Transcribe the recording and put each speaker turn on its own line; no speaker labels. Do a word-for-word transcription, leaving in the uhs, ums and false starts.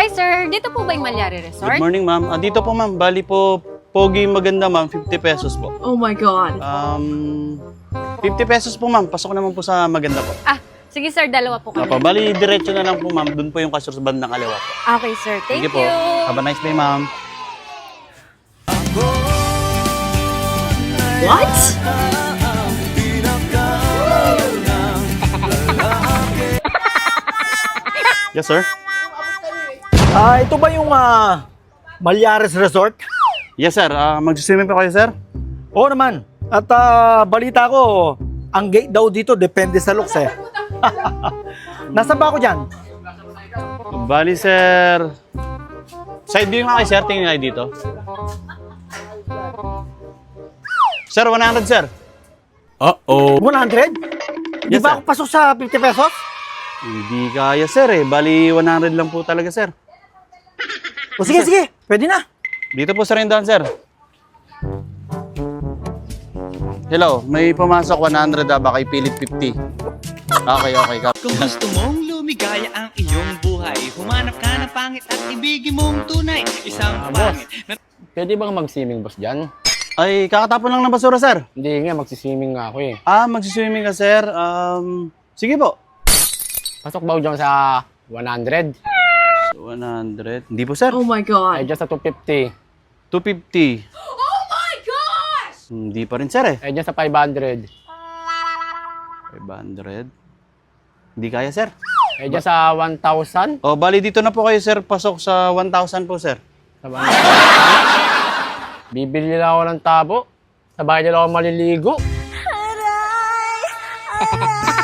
sir. Dito po ba yung Malyari Resort?
Good morning, ma'am. Ah, dito po, ma'am. Bali po, pogi maganda, ma'am. fifty pesos po.
Oh my God.
Um, fifty pesos po, ma'am. Pasok naman po sa maganda po.
Ah, sige sir, dalawa po kami.
Opo, bali, diretso na lang po, ma'am. Doon po yung kasur sa bandang kaliwa po.
Okay sir, thank
Sige po.
you.
Have a nice day, ma'am.
What?
Yes, sir.
Ah, ito ba yung ah, Malyares Resort?
Yes, sir. Uh, Mag-swimming pa kayo, sir?
Oo naman. At ah, balita ko, ang gate daw dito depende sa looks eh. Nasaan ba ako dyan?
Bali, sir. Side view nga kayo, sir. Tingin kayo dito. Sir, one hundred, sir.
Uh-oh. one hundred? Di
Yes,
ba
sir.
ako pasok sa fifty pesos?
Hindi kaya, sir, eh. Bali, one hundred lang po talaga, sir.
O sige, sige. Pwede na.
Dito po, sir, yung daan, sir. Hello, may pumasok one hundred, ah. Baka ipilit fifty. Okay, okay.
Kung gusto mong lumigaya ang iyong buhay, humanap ka ng pangit at ibigin mong tunay. Isang pangit na
Pwede bang mag-swimming, boss, dyan?
Ay, kakatapon lang ng basura, sir.
Hindi nga, mag-swimming nga ako eh.
Ah, magsiswimming ka, sir. Um, sige po.
Pasok ba ako dyan sa one hundred?
one hundred. Hindi po, sir.
Oh my God.
Ay, dyan sa two fifty.
two fifty. Oh my gosh! Hindi pa rin, sir, eh.
Ay, dyan sa five hundred.
five hundred. Hindi kaya, sir.
Ay, dyan sa one thousand.
O, bali dito na po kayo, sir. Pasok sa one thousand po, sir.
Sa one thousand. Bibili lang ako ng tabo. Sa bahay nila ako maliligo.
Aray! Aray!